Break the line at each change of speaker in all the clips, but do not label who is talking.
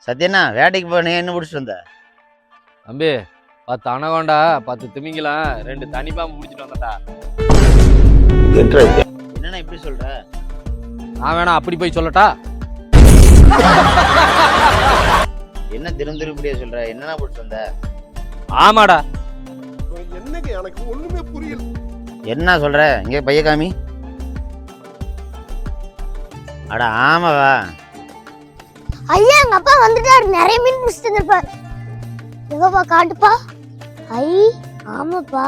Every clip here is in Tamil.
சத்யண்ணா வேட்டைக்கு போய் நீ என்ன பிடிச்சிட்டு வந்த?
தம்பி 10 அனகோண்டா 10 திமிங்கலாம் 2 தனிப்பாம்பு முடிச்சிட்டு வந்தடா.
என்னண்ணா இப்படி சொல்ற?
நான் வேணா அப்படி போய் சொல்லட்டா?
என்ன திரும்ப இப்படியே சொல்ற? என்னண்ணா பிடிச்சிட்டு வந்த?
ஆமாடா.
என்னங்க எனக்கு ஒண்ணுமே புரியல.
என்ன சொல்ற? இங்கே பைய காமி. அட ஆமாவா?
ஐயா எங்க அப்பா வந்துட்டாரு, நிறைய மீன் பிடிச்சிட்டு வந்திருப்பாரு. எங்கப்பா காட்டுப்பா. ஐ ஆமாப்பா.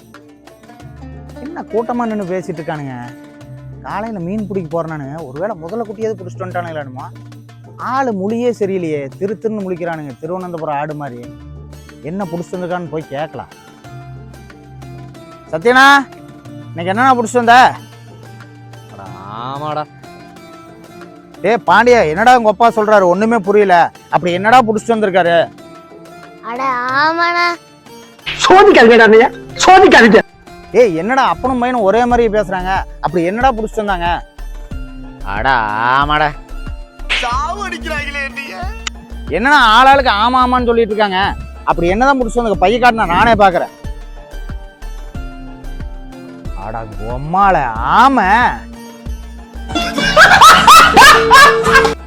என்ன கூட்டமா நின்று பேசிட்டு இருக்கானுங்க? காலையில மீன் பிடிக்க போறேன்னு ஒருவேளை முதல்ல குட்டியாவது பிடிச்சிட்டு வந்துட்டானுங்களானுமா? ஆளு மொழியே சரியில்லையே, திருன்னு முழிக்கிறானுங்க, திருவனந்தபுரம் ஆடு மாதிரி. என்ன பிடிச்சிட்டு வந்திருக்கான்னு போய் கேட்கலாம். சத்யனா, இன்னைக்கு என்னன்னா பிடிச்சிட்டு வந்த?
ஆமாடா.
பாண்டியா, என்னடா உங்க அப்பா சொல்றாரு ஒண்ணுமே புரியல, அப்படி என்னடா புடிச்சிட்டு வந்திருக்காரு?
அட ஆமாண்ணா.
சோதிக்காதீங்க, சோதிக்காதீங்க. என்னடா அப்பனும் பையனும் ஒரே மாதிரி பேசுறாங்க, அப்படி என்னடா புடிச்சிட்டு வந்தாங்க?
அட ஆமாடா.
சாவு அடிக்கிறாங்களே நீங்க.
என்னடா ஆளாளுக்கு ஆமா ஆமான்னு சொல்லிட்டு இருக்காங்க, அப்படி என்னதான் புடிச்சிட்டு வந்தாங்க? பைய காட்டினா நானே பாக்குறேன். அடா பொம்மால ஆமா.